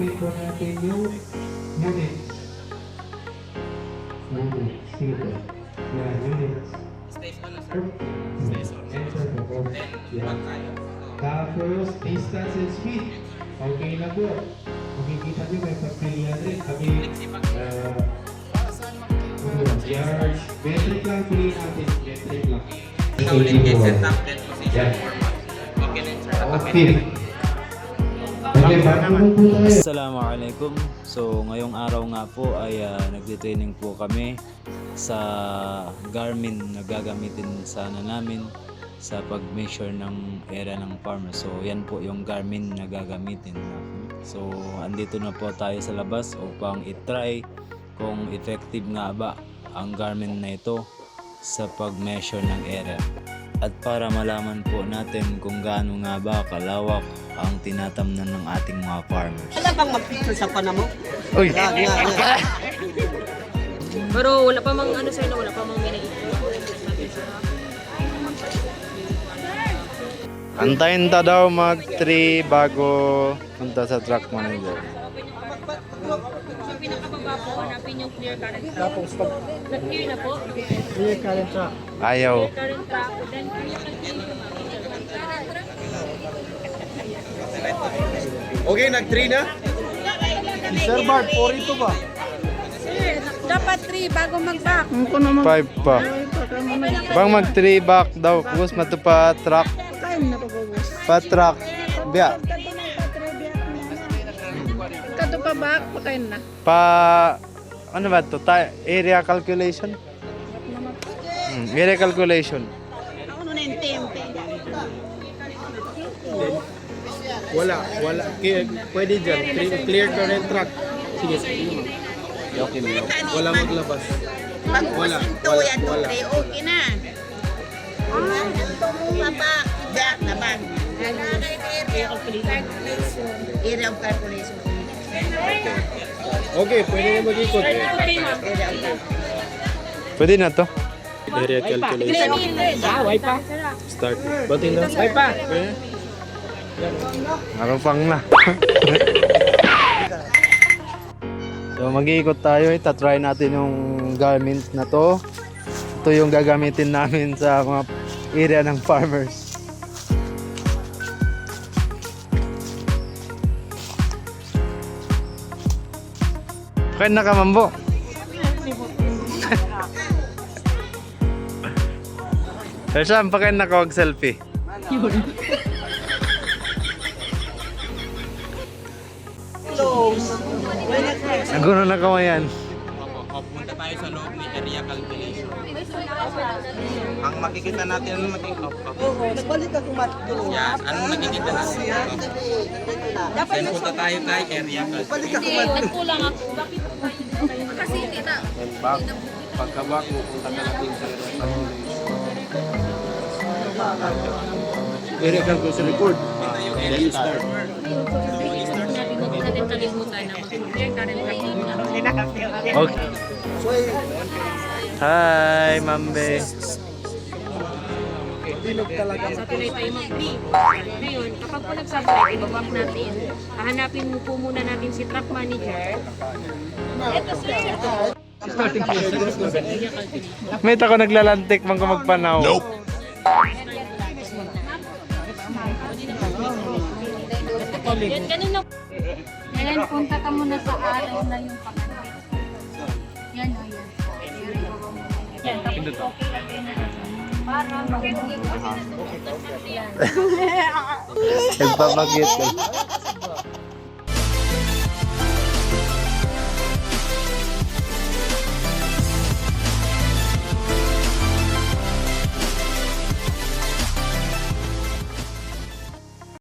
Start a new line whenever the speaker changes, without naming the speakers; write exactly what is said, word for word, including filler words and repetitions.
i-activate po natin yung units. Units. Sige po. Yan, units.
Stays on na sir.
Okay.
Stays on.
Enter po po.
Then,
Yan.
pag tayo.
Tapos, distance and speed. Okay na po. Makikita nyo may pagpilihan rin. Kami, uh, yards, metric lang piliin natin. Metric lang.
Ikaw ulit kay set up then position format. Okay na sir.
Okay. Okay, bago po tayo.
Assalamualaikum. So ngayong araw nga po ay uh, nagte-training po kami sa Garmin na gagamitin sana namin sa pag-measure ng area ng farmer. So yan po yung Garmin na gagamitin namin. So andito na po tayo sa labas upang i-try kung effective nga ba ang Garmin na ito sa pag-measure ng area. At para malaman po natin kung gaano nga ba kalawak ang tinatamnan ng ating mga farmers.
Wala bang mag-picture sa pana mo?
Uy!
Nga, nga, nga.
Pero wala pa mang ano sa'yo na wala pa mang minaito.
Antayin ta daw mag three bago punta sa truck manager.
Sa pinakababa po, hanapin yung clear current track. Nag-clear na po.
Clear current track.
Ayaw.
Clear current track. Then clear calculation.
Okay, nag three na? Sir Bart, four ito ba?
Sir, dapat three bago mag-back.
Five pa. Bang mag three back daw. Kus matupa truck. Pa truck. Biya.
Kato pa back, pakain na.
Pa ano ba to? Ta area calculation? Hmm, area calculation.
Ako na yung tempe.
Wala, wala. K- pwede dyan. Clear, clear current track. Sige, sige. Okay na. Wala maglabas.
Pag
Wala,
ito,
wala,
yan,
wala.
two, three, okay na. Ah, ito mo mapa. Back na back. Area of calculation. Area of calculation.
Okay, pwede na mag-ikot.
Area of calculation.
Pwede na to.
Area calculation. Start. Batin na. Ay pa.
Marupang na. So mag-iikot tayo, itatry natin yung Garmin na to. Ito yung gagamitin namin sa mga area ng farmers. Kaya nakamambo. Pero saan pa kayo nakawag-selfie? Naguno na kamayan.
Opo, punta tayo sa loob ni area calculation. Ang makikita natin, ano makikita?
Oo, nagbalik ka kumatlo.
Yan, anong nakikita natin? Then punta tayo kay area calculation.
Nagkulang ako. Bakit po kayo? Kasi hindi na.
Pagkabak mo, punta ka natin sa area calculation report. Then start.
Hindi natin kalimutan na mag-clear current track muna.
Okay. Hi, Mambe.
Sa tuloy tayo mag-three. Ngayon, kapag po nag-subtract, ibabak natin. Hahanapin mo po muna natin si truck manager. Ito sir.
May tako naglalantik man ko magpanaw. Nope.
Yan, ganun na.
Ayan, punta ka muna sa araw na yung pakatay. Yan o, yan.
Yan, tapos okay lang din na. Para mag-get kasi na yan.
Nagpapagit.